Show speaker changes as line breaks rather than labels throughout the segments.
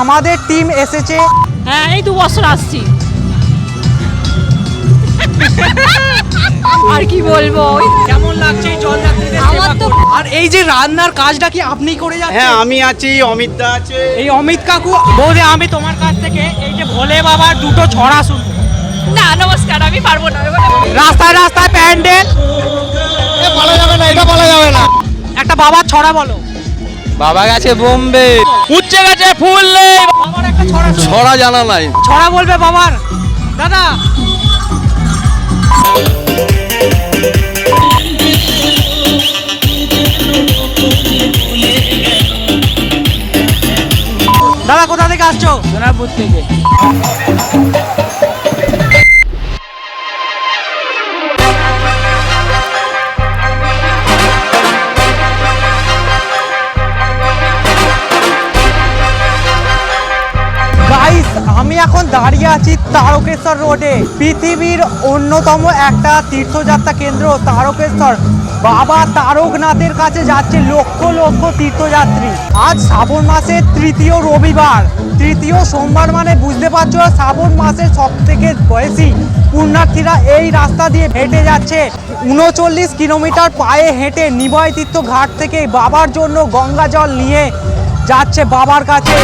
আমাদের টিম এসেছে।
হ্যাঁ, এই 2 বছর আসছি। আর কি বলবো,
কেমন লাগছে এই জলযাত্রীদের সেবা করে? আর এই যে রান্নার কাজটা কি আপনি করে যাচ্ছেন?
হ্যাঁ, আমি আছি, অমিতদা আছে।
এই অমিত কাকু। বৌদি, আমি তোমার কাছ থেকে এই যে ভোলে বাবার দুটো ছড়া শুনবো।
না নমস্কার, আমি পারবো না।
রাস্তায় রাস্তায় প্যান্ডেল,
বলা যাবে না, এটা বলা যাবে না।
একটা বাবার ছড়া বলো।
বাবা গেছে বোম্বে, উচ্চে গেছে ফুল নেই।
বাবার একটা ছড়া শোনো।
ছড়া জানা নাই।
ছড়া বলবে বাবার। দাদা, দাদা কোথা থেকে আসছো?
সোনারপুর থেকে।
গাইস, আমি এখন দাঁড়িয়ে আছি তারকেশ্বর রোডে। পৃথিবীর অন্যতম একটা তীর্থযাত্রা কেন্দ্র তারকেশ্বর। বাবা তারকনাথের কাছে যাচ্ছে লক্ষ লক্ষ তীর্থযাত্রী। আজ শ্রাবণ মাসের তৃতীয় রবিবার, তৃতীয় সোমবার, মানে বুঝতে পারছো শ্রাবণ মাসের সব থেকে বেশি পুণ্যার্থীরা এই রাস্তা দিয়ে হেঁটে যাচ্ছে। 39 কিলোমিটার পায়ে হেঁটে নিবয় তীর্থ ঘাট থেকে বাবার জন্য গঙ্গা জল নিয়ে যাচ্ছে বাবার কাছে।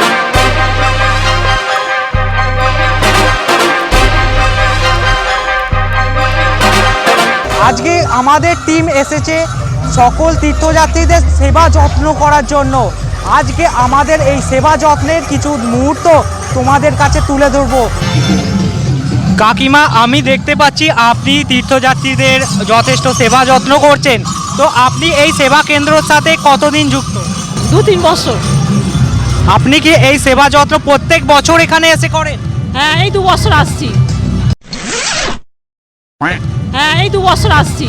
আজকে আমাদের টিম এসেছে সকল তীর্থযাত্রীদের সেবা যত্ন করার জন্য। আজকে আমাদের এই সেবা যত্নের কিছু মুহূর্ত তোমাদের কাছে তুলে ধরবো। কাকিমা, আমি দেখতে পাচ্ছি আপনি তীর্থযাত্রীদের যথেষ্ট সেবা যত্ন করছেন। তো আপনি এই সেবা কেন্দ্রের সাথে কতদিন যুক্ত?
2-3 বছর।
আপনি কি এই সেবা যত্ন প্রত্যেক বছর এখানে এসে করেন?
হ্যাঁ, এই 2 বছর আসছি। হ্যাঁ, এই 2 বছর আসছি।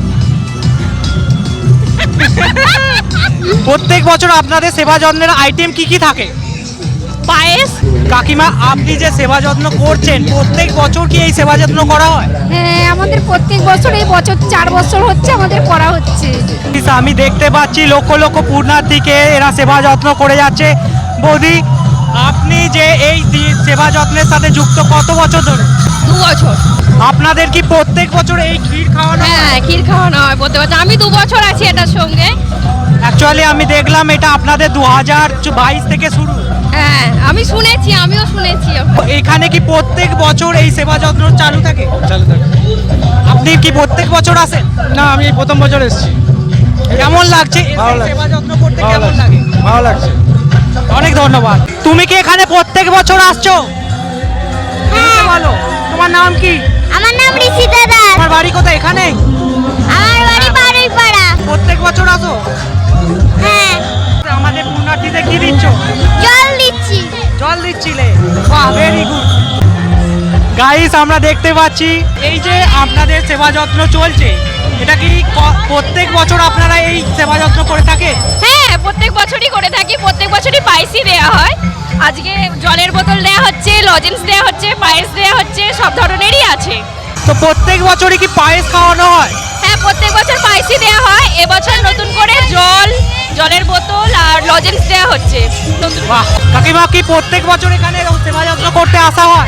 প্রত্যেক বছর আপনাদের সেবা যত্নের আইটেম কি কি থাকে?
পায়েস।
কাকিমা, আপনি যে সেবা যত্ন করছেন প্রত্যেক বছর কি এই সেবা যত্ন করা হয়?
হ্যাঁ, আমাদের প্রত্যেক বছর, এই বছর 4 বছর হচ্ছে আমাদের করা হচ্ছে।
আমি দেখতে পাচ্ছি লক্ষ লক্ষ পুণ্যার্থীকে এরা সেবা যত্ন করে যাচ্ছে। বৌদি, আপনি যে এই সেবা যত্নের সাথে যুক্ত কত বছর ধরে?
2 বছর।
আপনাদের কি প্রত্যেক বছর এই ক্ষীর খাওয়ানো হয়?
হ্যাঁ, ক্ষীর খাওয়ানো হয় প্রত্যেক বছর। আমি 2 বছর আছি এটার সঙ্গে।
অ্যাকচুয়ালি আমি দেখলাম এটা আপনাদের 2022 থেকে শুরু।
হ্যাঁ, আমি শুনেছি, আমিও শুনেছি।
এখানে কি প্রত্যেক বছর এই সেবা যত্ন চালু থাকে?
চালু থাকে।
আপনি কি প্রত্যেক বছর আসেন?
না, আমি এই প্রথম বছর এসেছি।
কেমন লাগছে
ভালো লাগছে।
সেবা যত্ন করতে? কেমন লাগে?
ভালো লাগছে।
অনেক ধন্যবাদ। তুমি কি এখানে প্রত্যেক বছর আসছো?
হ্যাঁ।
বলো, তোমার নাম কি?
আমার নাম ঋষিতা দাস।
তোমার বাড়ি কোথায়? এখানে?
আমার বাড়ি বারুইপাড়া।
প্রত্যেক বছর আসো?
হ্যাঁ,
আমাদের পুণ্যার্থীদের কি দিচ্ছ?
জল দিচ্ছি।
জল দিচ্ছিলে? বাহ, ভেরি গুড। গাইস, আমরা দেখতে পাচ্ছি এই যে আপনাদের সেবা যত্ন চলছে, এটা কি প্রত্যেক বছর আপনারা এই সেবা যত্ন করে থাকেন?
হ্যাঁ, প্রত্যেক বছরই করে থাকি। প্রত্যেক বছরই পায়েসই দেওয়া হয়। আজকে জলের বোতল দেওয়া হচ্ছে, লজেন্স দেওয়া হচ্ছে, পায়েস দেওয়া হচ্ছে, সব ধরনেরই আছে।
তো প্রত্যেক বছরই কি পায়েস খাওয়ানো হয়?
হ্যাঁ, প্রত্যেক বছর পায়েসই দেওয়া হয়। এবছর নতুন করে জলের বোতল আর লজেন্স দেওয়া হচ্ছে।
বাহ, কাকিমা, কি প্রত্যেক বছর এখানে সেবা যত্ন করতে আসা হয়?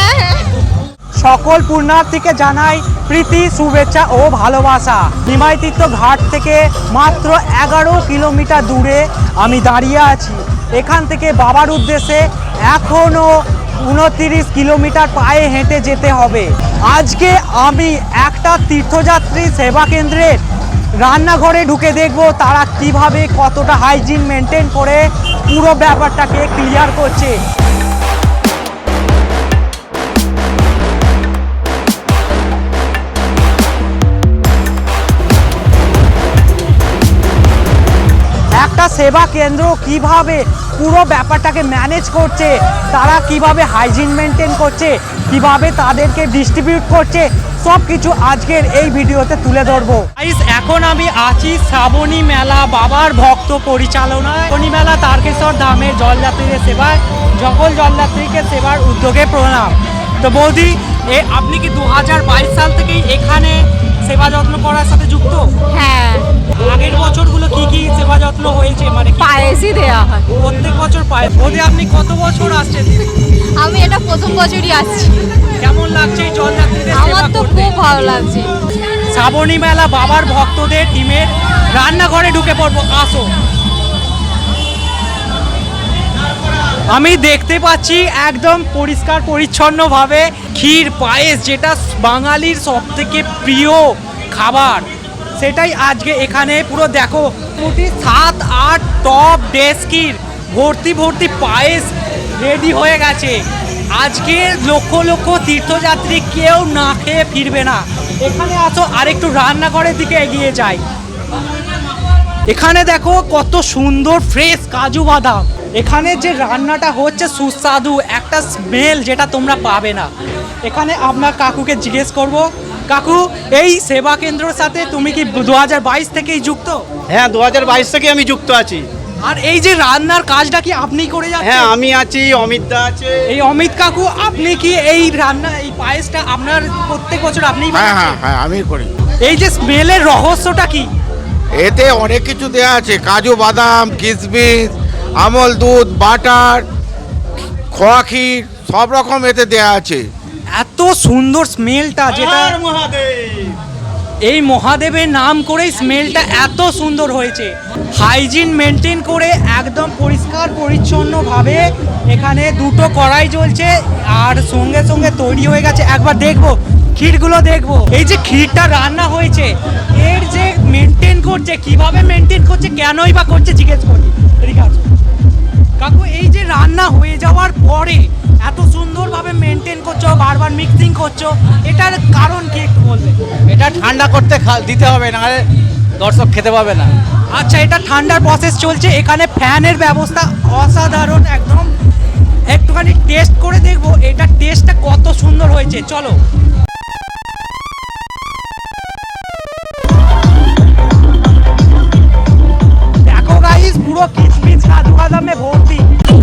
সকল পুণ্যার্থীকে জানাই প্রীতি, শুভেচ্ছা ও ভালোবাসা। নিমাই তীর্থ ঘাট থেকে মাত্র 11 কিলোমিটার দূরে আমি দাঁড়িয়ে আছি। এখান থেকে বাবার উদ্দেশ্যে এখনও 29 কিলোমিটার পায়ে হেঁটে যেতে হবে। আজকে আমি একটা তীর্থযাত্রী সেবা কেন্দ্রের রান্নাঘরে ঢুকে দেখব তারা কিভাবে কতটা হাইজিন মেনটেন করে পুরো ব্যাপারটাকে ক্লিয়ার করছে। একটা সেবা কেন্দ্র কিভাবে পুরো ব্যাপারটাকে ম্যানেজ করছে, তারা কিভাবে হাইজিন মেনটেন করছে, কিভাবে তাদেরকে ডিস্ট্রিবিউট করছে, সব কিছু আজকের এই ভিডিওতে তুলে ধরবো। এখন আমি আছি শ্রাবণী মেলা বাবার ভক্ত পরিচালনায়। শ্রাবণী মেলা তারকেশ্বর ধামের জলযাত্রীদের সেবায় সকল জলযাত্রীকে সেবার উদ্যোগে প্রণাম। তো বৌদি, আপনি কি 2022 সাল থেকেই এখানে সেবা যত্ন করার সাথে যুক্ত?
হ্যাঁ,
আগের বছরগুলো কি কি সেবা যত্ন হয়েছে, মানে কি
পায়েসই দেওয়া হয়।
প্রত্যেক বছর পায়? ওদের আপনি কত বছর আসছেন?
আমি এটা প্রথম বছরই আসছি।
কেমন লাগছে এই জলযাত্রীদের সেবা
আমার তো
করতে?
খুব ভালো লাগছে।
শ্রাবণী মেলা বাবার ভক্তদের টিমের রান্নাঘরে ঢুকে পড়বো, আসো। আমি দেখতে পাচ্ছি একদম পরিষ্কার পরিচ্ছন্নভাবে ক্ষীর পায়েস, যেটা বাঙালির সব থেকে প্রিয় খাবার, সেটাই আজকে এখানে পুরো দেখো মোটামুটি 7-8 টপ ডেস্কির ভর্তি ভর্তি পায়েস রেডি হয়ে গেছে। আজকে লক্ষ লক্ষ তীর্থযাত্রী কেউ না খেয়ে ফিরবে না। এখানে আসো, আরেকটু রান্নাঘরের দিকে এগিয়ে যাই। এখানে দেখো কত সুন্দর ফ্রেশ কাজু বাদাম। এখানে যে রান্নাটা হচ্ছে সুস্বাদু একটা স্মেল, যেটা তোমরা পাবে না। এখানে আপনার কাকুকে জিজ্ঞেস করব, কাকু এই সেবা কেন্দ্রের সাথে তুমি কি 2022 থেকেই যুক্ত?
হ্যাঁ, 2022 থেকে আমি যুক্ত আছি।
আর এই যে রান্নার কাজটা কি আপনি করে যাচ্ছেন?
হ্যাঁ, আমি আছি, অমিত দা আছে।
এই অমিত কাকু, আপনি কি এই রান্না, এই পায়েসটা আপনার প্রত্যেক বছর আপনিই
হ্যাঁ
বানাচ্ছেন?
হ্যাঁ হ্যাঁ আমি করি।
এই যে স্মেলের রহস্যটা কি?
এতে অনেক কিছু দেওয়া আছে, কাজু বাদাম, কিশমিশ, আমল দুধ, বাটার, খোয়া ক্ষীর, সব রকম এতে দেওয়া আছে।
এত সুন্দর স্মেলটা, যেটা
আর মহাদেব।
এই মহাদেবের নাম করেই স্মেলটা এত সুন্দর হয়েছে। হাইজিন মেনটেন করে একদম পরিষ্কার পরিচ্ছন্নভাবে এখানে দুটো কড়াই জ্বলছে, আর সঙ্গে সঙ্গে তৈরি হয়ে গেছে। একবার দেখবো ক্ষীরগুলো, দেখবো এই যে ক্ষীরটা রান্না হয়েছে, এর যে মেনটেন করছে, কিভাবে মেনটেন করছে, কেনই বা করছে, জিজ্ঞেস করি। ঠিক আছে কাকু, এই যে রান্না হয়ে যাওয়ার পরে এত সুন্দরভাবে মেনটেন করছো, বারবার মিক্সিং করছো, এটার কারণ কি একটু বলবে?
এটা ঠান্ডা করতে দিতে হবে, নাহলে দর্শক খেতে পাবে না।
আচ্ছা, এটা ঠান্ডার প্রসেস চলছে, এখানে ফ্যানের ব্যবস্থা অসাধারণ একদম। একটুখানি টেস্ট করে দেখবো এটা টেস্টটা কত সুন্দর হয়েছে, চলো। দেখো গাইস, পুরো কিশমিশ কাজু বাদামে ভর্তি।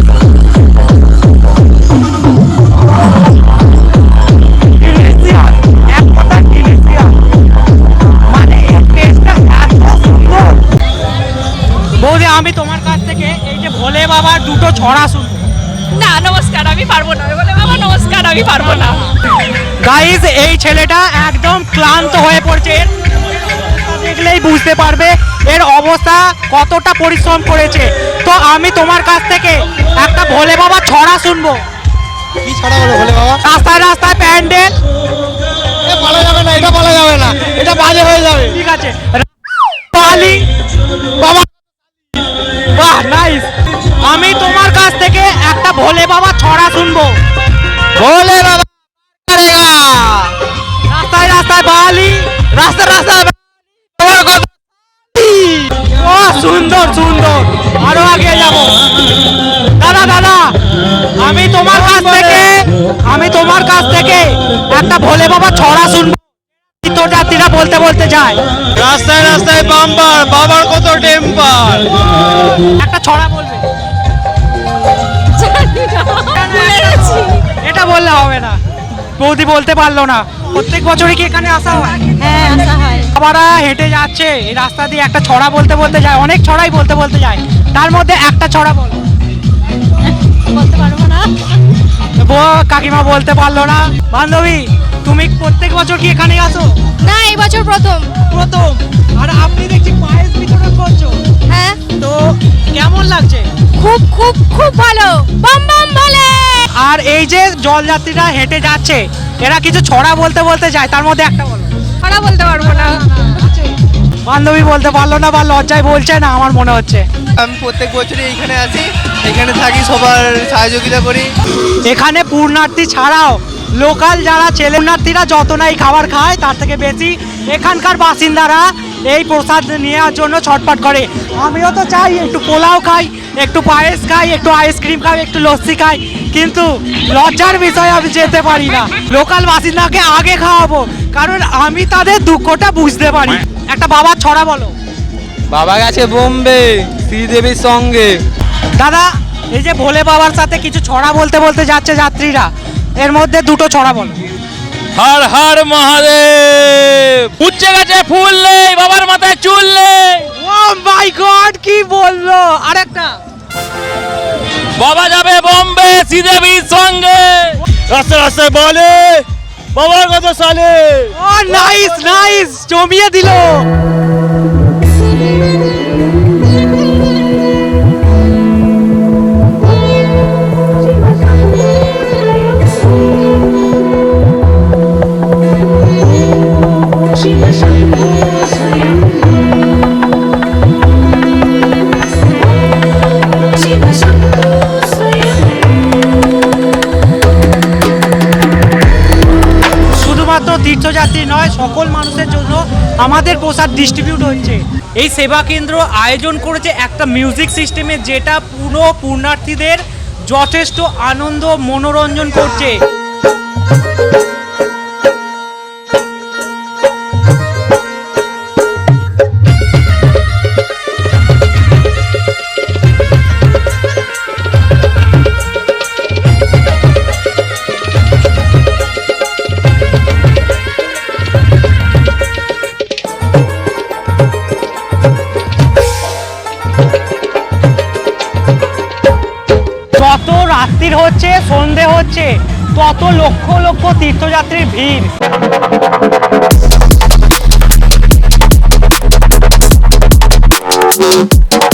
Delicious, এক কথায় delicious। মানে এর টেস্টটা এত সুন্দর। বৌদি, আমি তোমার কাছ থেকে এই যে ভোলে বাবার দুটো ছড়া শুনবো।
না নমস্কার, আমি পারবো না। বলে বাবা নমস্কার, আমি পারবো না।
গাইজ, এই ছেলেটা একদম ক্লান্ত হয়ে পড়ছে, এর অবস্থা দেখলেই বুঝতে পারবে এর অবস্থা কতটা পরিশ্রম করেছে। তো আমি তোমার কাছ থেকে একটা ভোলে বাবা ছড়া শুনবো।
কি ছড়া বলো ভোলে বাবা?
রাস্তায় রাস্তায় প্যান্ডেল।
বলা যাবে না, এটা বলা যাবে না, এটা বাজে হয়ে যাবে।
ঠিক আছে, পালি বাবা। বাহ, নাইস। আমি তোমার কাছ থেকে একটা ভোলে বাবা ছড়া শুনবো।
ভোলে বাবা
রাস্তায় রাস্তায় বালি,
রাস্তা রাস্তা
ও সুন্দর সুন্দর, আরো আগে যাব। দাদা দাদা, আমি তোমার কাছ থেকে একটা ভোলে বাবা ছড়া শুনবো। তীর্থযাত্রীরা বলতে বলতে যায়,
রাস্তায় রাস্তায় বাম্পার, বাবার কত টেম্পার।
একটা ছড়া বলবে? এটা বললে হবে না, বৌদি বলতে পারলো না। প্রত্যেক বছরই কি এখানে আসা হয়?
হ্যাঁ, আসা হয়।
বাবারা হেঁটে যাচ্ছে এই রাস্তা দিয়ে, একটা ছড়া বলতে বলতে যায়, অনেক ছড়াই বলতে বলতে যায়, তার মধ্যে একটা ছড়া বলো।
বলতে পারবো না।
কাকিমা বলতে পারলো না। বান্ধবী, তুমি প্রত্যেক বছর কি এখানে আসো?
না, এই বছর প্রথম।
প্রথম। আর আপনি দেখছি পায়েস বিতরণ করছো,
হ্যাঁ,
তো কেমন লাগছে?
খুব খুব খুব ভালো। বাম বাম বলে।
আর এই যে জলযাত্রীরা হেঁটে যাচ্ছে, এরা কিছু ছড়া বলতে বলতে যায়, তার মধ্যে একটা বলো।
ওরা বলতে পারবো না।
বান্ধবী বলতে পারলো না, বা লজ্জায় বলছে না আমার মনে হচ্ছে।
আমি প্রত্যেক বছরই এইখানে আসি, এখানে থাকি, সবার সহযোগিতা করি।
এখানে পূর্ণার্থী ছাড়াও লোকাল যারা পুণ্যার্থীরা যত নাই খাবার খায়, তার থেকে বেশি এখানকার বাসিন্দারা এই প্রসাদ নেওয়ার জন্য ছটফট করে। আমিও তো চাই একটু পোলাও খাই, একটু পায়েস খাই, একটু আইসক্রিম খাই, একটু লস্যি খাই, কিন্তু লজ্জার বিষয় আমি যেতে পারি না। লোকাল বাসিন্দাকে আগে খাওয়াবো, কারণ আমি তাদের দুঃখটা বুঝতে পারি। একটা বাবার ছড়া বলো।
বাবা গেছে বোম্বে শ্রীদেবীর সঙ্গে।
দাদা, এই যে ভোলে বাবার সাথে কিছু ছড়া বলতে বলতে যাচ্ছে যাত্রীরা, এর মধ্যে দুটো ছড়া বলো।
হর হর মহাদেব। উচ্চে গেছে ফুল নেই, বাবার মাথায় চুল নেই।
ও মাই গড, কি বললো! আরেকটা
বাবা যাবে বোম্বে শ্রীদেবীর সঙ্গে। রাস্তায় রাস্তায় বলে বাবার কথা সালে।
ও নাইস নাইস, জমিয়ে দিল। শুধুমাত্র তীর্থযাত্রী নয়, সকল মানুষের জন্য আমাদের প্রসাদ ডিস্ট্রিবিউট হচ্ছে। এই সেবা কেন্দ্র আয়োজন করেছে একটা মিউজিক সিস্টেমে, যেটা পুরো পুণ্যার্থীদের যথেষ্ট আনন্দ মনোরঞ্জন করছে। যত রাত্রির হচ্ছে, সন্ধে হচ্ছে, তত লক্ষ লক্ষ তীর্থযাত্রীর ভিড়।